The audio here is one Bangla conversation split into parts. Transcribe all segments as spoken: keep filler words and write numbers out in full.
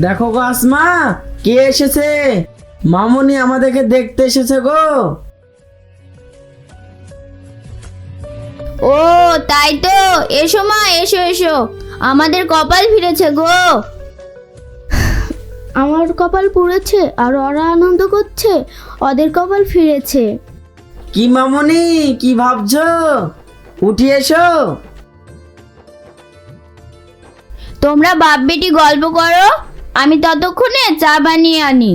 দেখো গো আসমা, কে এসেছে? মামুনি আমাদেরকে দেখতে এসেছে গো। ও তাই তো, এসো মা, এসো এসো। আমাদের কপাল ফিরেছে গো। আমার কপাল পুড়েছে আর ওরা আনন্দ করছে, ওদের কপাল ফিরেছে। কি মামুনি, কি ভাবছো? উঠি এসো। তোমরা বাপ বেটি গল্প করো, আমি ততক্ষণে চা বানিয়ে আনি।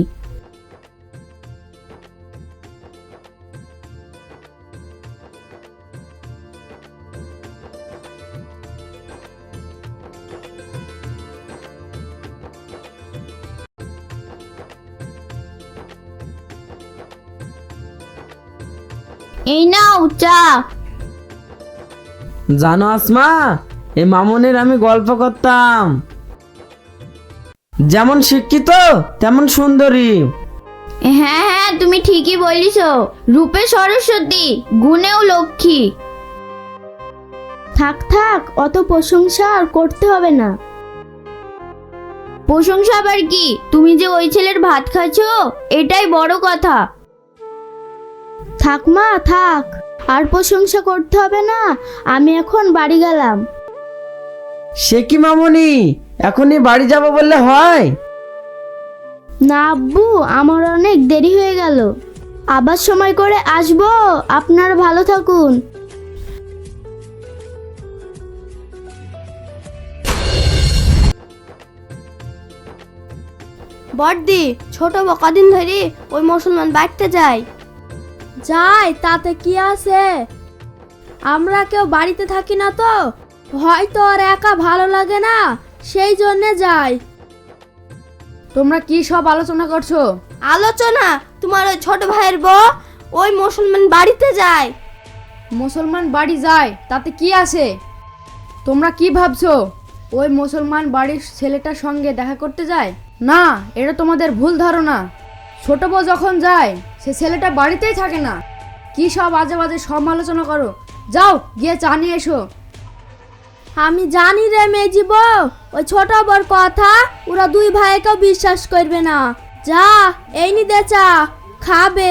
এই নাও চা। জানো আসমা, এই মামুনির আমি গল্প করতাম। যেমন শিক্ষিত তেমন সুন্দরী। হ্যাঁ হ্যাঁ, তুমি ঠিকই বলিস। রূপে সরস্বতী, গুণেও লক্ষ্মী। থাক থাক, অত প্রশংসা আর করতে হবে না। প্রশংসা আবার কি? তুমি যে ওই ছেলের ভাত খাচ্ছ, এটাই বড় কথা। থাক মা থাক, আর প্রশংসা করতে হবে না। আমি এখন বাড়ি গেলাম। সে কি মামুনি, এখনই বাড়ি যাবো বললে হয়? না আব্বু, আমার অনেক দেরি হয়ে গেল। আবার সময় করে আসবো। আপনারা ভালো থাকুন। বড়দি, ছোট কদিন ধরে ওই মুসলমান বাড়িতে যায়। যায় তাতে কি আছে? আমরা কেউ বাড়িতে থাকি না তো, হয়তো আর একা ভালো লাগে না, সেই জন্যে যাই। তোমরা কি সব আলোচনা করছো? আলোচনা? তোমার ওই ছোট ভাইয়ের বউ ওই মুসলমান বাড়িতে যায়। মুসলমান বাড়ি যায় তাতে কি আছে? তোমরা কি ভাবছো ওই মুসলমান বাড়ির ছেলেটার সঙ্গে দেখা করতে যায়? না, এটা তোমাদের ভুল ধারণা। ছোট বউ যখন যায় সে ছেলেটা বাড়িতেই থাকে না। কি সব আজে বাজে সমালোচনা করো, যাও গিয়ে চা নিয়ে এসো। আমি জানি রে মেজি বউ, ওই ছোট বড় কথা ওরা দুই ভাইকেও বিশ্বাস করবে না। যা, এই নি দে চা, খাবে।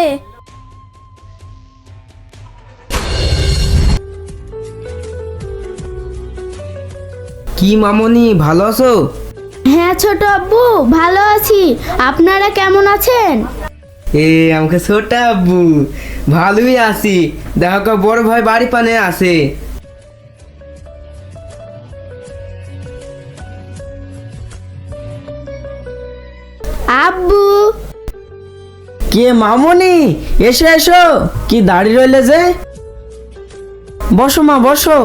কি মামুনি, ভালো আছো? হ্যাঁ ছোট আব্বু, ভালো আছি। আপনারা কেমন আছেন? এ আমাকে ছোট আব্বু, ভালোই আছি। দেখো বড় ভাই বাড়ি পানে আছে। আব্বু। কে মামুনি, এসো এসো। কি দাঁড়িয়ে রইলে যে? বসো মা, বসো।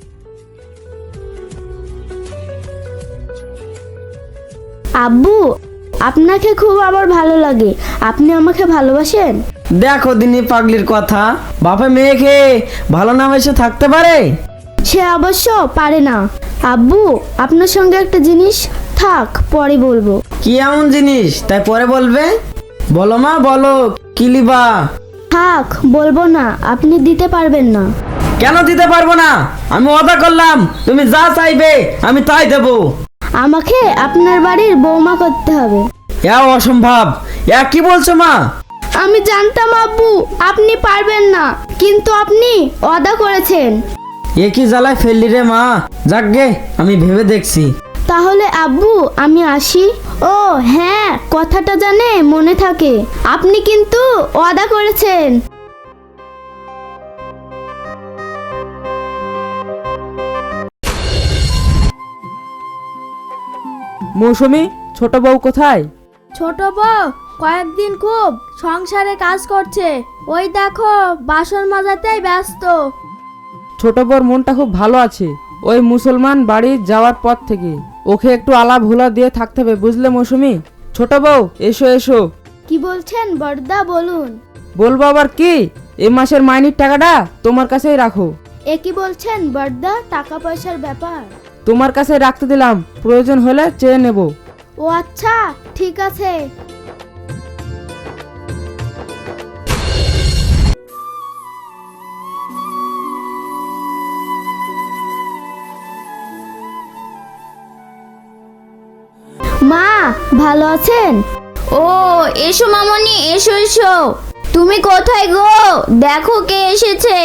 আব্বু, আপনাকে খুব আমার ভালো লাগে। আপনি আমাকে ভালোবাসেন? দেখো দিনী পাগলির কথা, বাপে মেয়েকে ভালো না বেসে থাকতে পারে? সে অবশ্য পারে না। আব্বু, আপনার সঙ্গে একটা জিনিস, থাক পরে বলবো। কি এমন জিনিস তাই পরে বলবে? বলো মা, বলো কি লিবা? থাক, বলবো না, আপনি দিতে পারবেন না। কেন দিতে পারবো না? আমি ওয়াদা করলাম তুমি যা চাইবে আমি তাই দেবো। আমাকে আপনার বাড়ির বৌমা করতে হবে। এ অসম্ভব। এ কি বলছো মা? আমি জানতাম আব্বু আপনি পারবেন না, কিন্তু আপনি ওয়াদা করেছেন। এ কি জ্বালায় ফেললি রে মা। যাকগে, আমি ভেবে দেখছি। তাহলে আব্বু আমি আসি। ও হ্যাঁ, কথাটা জানে মনে থাকে। আপনি কিন্তু ওয়াদা করেছেন। মৌসুমী, ছোট বউ কোথায়? ছোট বউ কয়েকদিন খুব সংসারে কাজ করছে, ওই দেখো বাসন মাজাতেই ব্যস্ত। ছোট বউর মনটা খুব ভালো আছে ওই মুসলমান বাড়ি যাওয়ার পর থেকে। ওকে একটু আলাপ ভোলা দিয়ে থাকতে হবে, বুঝলে মৌসুমী? ছোট বউ, এসো এসো। কি বলছেন বড়দা, বলুন। বলবো আবার কি, এই মাসের মাইনের টাকাটা তোমার কাছেই রাখো। এ কি বলছেন বড়দা, টাকা পয়সার ব্যাপার? তোমার কাছে রাখতে দিলাম, প্রয়োজন হলে চেয়ে নেব। ও আচ্ছা, ঠিক আছে। মা, ভাত ভালো আছেন? ও এসো মামনি, এসো এসো। তুমি কোথায় গো? দেখো কে এসেছে।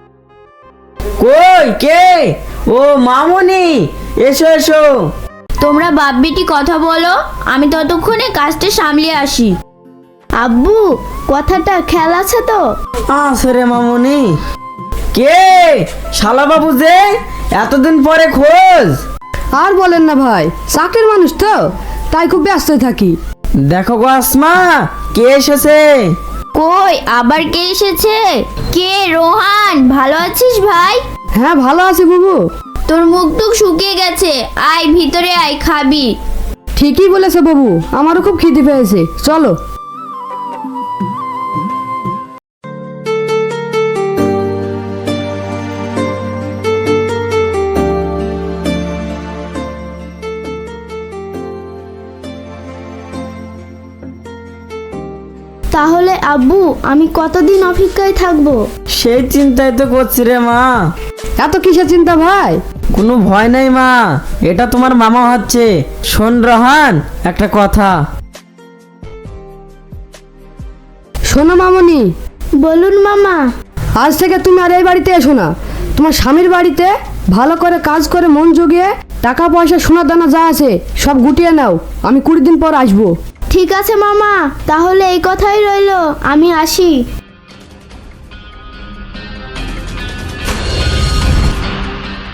কই কে? ও মামনি, এসো এসো। তোমরা বাপ বেটি কথা বলো, আমি ততক্ষণে কাজটা সামলে আসি। আব্বু, কথাটা খেয়াল আছে তো? আসরে মামনি। কে? শালা বাবু যে, এতদিন পরে খোঁজ। আর বলেন না ভাই, চাকরির মানুষ তো, তাই খুব ব্যস্ত থাকি। দেখো গো আসমা, কে এসেছে? কই আবার কে এসেছে? কে? রোহান, ভালো আছিস ভাই? হ্যাঁ ভালো আছি বাবু। তোর মুখ টুক শুকিয়ে গেছে, আয় ভিতরে আয়, খাবি। ঠিকই বলেছে বাবু, আমারও খুব খিদে পেয়েছে, চলো। তাহলে আব্বু, আমি কতদিন অপেক্ষায় থাকবো? সেই চিন্তাই তো করছি রে মা। এত কিসের চিন্তা ভাই? কোনো ভয় নাই মা, এটা তোমার মামা হচ্ছে। শোন রহান, একটা কথা। শোনো মামনি, বলুন মামা। আজ থেকে তুমি আর এই বাড়িতে এসো না। তোমার স্বামীর বাড়িতে ভালো করে কাজ করে মন জুগিয়ে টাকা পয়সা সোনা দানা যা আছে সব গুটিয়ে নাও। আমি কুড়ি দিন পর আসবো। ঠিক আছে মামা, তাহলে এই কথাই রইলো, আমি আসি।